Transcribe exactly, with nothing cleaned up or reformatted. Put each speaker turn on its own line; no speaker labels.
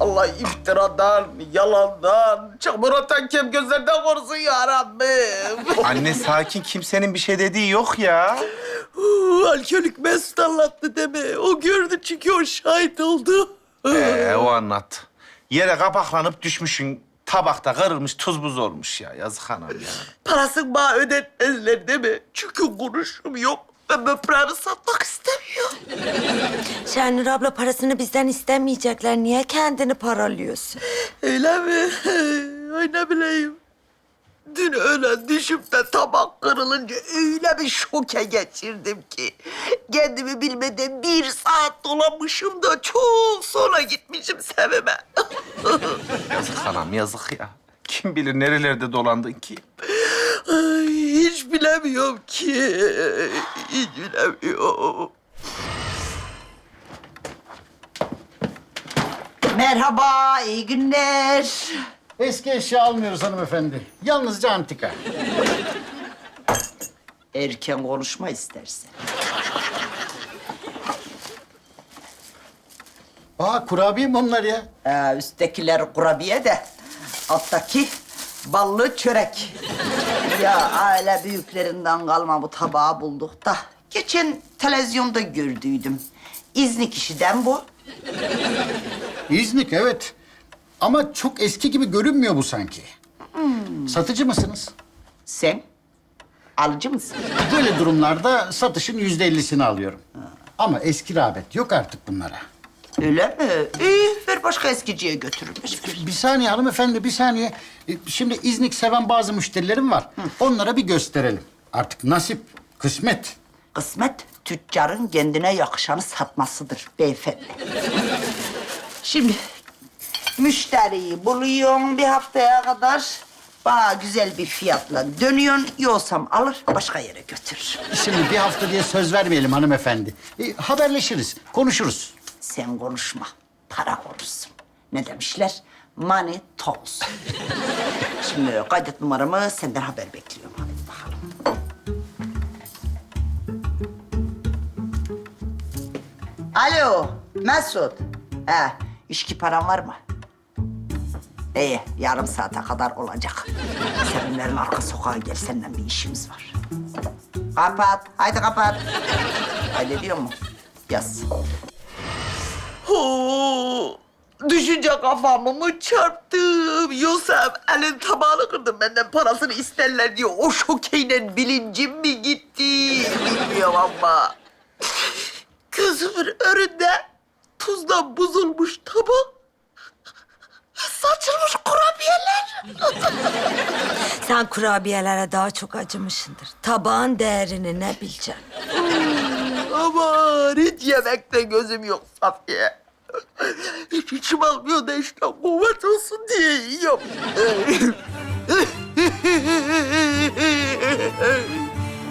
Allah iftiradan, yalandan, çamur atan kem gözlerden korusun ya Rabbim.
Anne sakin, kimsenin bir şey dediği yok ya.
Uu, alkolik Mesut anlattı deme. O gördü çünkü o şahit oldu.
Ee, o anlattı. Yere kapaklanıp düşmüşsün. Tabakta kırılmış, tuz buz olmuş ya. Yazık anam ya.
Parasını bana ödetmezler değil mi? Çünkü kuruşum yok. Ben böbreğimi satmak istemiyorum.
Şenur abla parasını bizden istemeyecekler. Niye kendini paralıyorsun?
Öyle mi? Ay ne bileyim. Dün öyle düşüp de tabak kırılınca öyle bir şoke geçirdim ki. Kendimi bilmeden bir saat dolanmışım da çok sonra gitmişim Sevim'e.
Yazık anam, yazık ya. Kim bilir nerelerde dolandın ki?
Ay, hiç bilemiyorum ki. Hiç bilemiyorum. Merhaba, iyi günler.
Eski eşya almıyoruz hanımefendi. Yalnızca antika.
Erken konuşma istersen.
Aa kurabiye mi onlar ya?
Ee, üsttekiler kurabiye de alttaki ballı çörek. Ya aile büyüklerinden kalma bu tabağı bulduk da. Geçen televizyonda gördüydüm. İzni kişiden bu.
İznik evet. Ama çok eski gibi görünmüyor bu sanki. Satıcı mısınız?
Sen alıcı mısın?
Böyle durumlarda satışın yüzde ellisini alıyorum. Ama eski rağbet yok artık bunlara.
Öyle mi? İyi, ver başka eskiciye götürürüm.
Bir saniye hanımefendi, bir saniye. E, Şimdi İznik seven bazı müşterilerim var. Onlara bir gösterelim. Artık nasip, kısmet.
Kısmet tüccarın kendine yakışanı satmasıdır beyefendi. Şimdi müşteriyi buluyorsun bir haftaya kadar. Bana güzel bir fiyatla dönüyorsun. Yoksam alır başka yere götürür.
Şimdi bir hafta diye söz vermeyelim hanımefendi. E, haberleşiriz, konuşuruz.
Sen konuşma, para konuşsun. Ne demişler? Money talks. Şimdi kaydet numaramı, senden haber bekliyorum. Hadi bakalım. Alo, Mesut. He, içki paran var mı? İyi, yarım saate kadar olacak. Seninlerin arka sokağa gel, seninle bir işimiz var. Kapat, haydi kapat. Haydi diyor mu? Yaz. Oo, düşünce kafamı mı çarptım? Yoksa elin tabağını kırdım benden parasını isterler diye o şokeyle bilincim mi gitti? Bilmiyorum ama. Gözümün önünde tuzdan buzulmuş tabak. Saçılmış kurabiyeler.
Sen kurabiyelere daha çok acımışsındır. Tabağın değerini ne bileceksin?
Aman hiç yemekte gözüm yok Safiye. Hiç içim almıyor da işte kuvvet olsun diye yiyorum.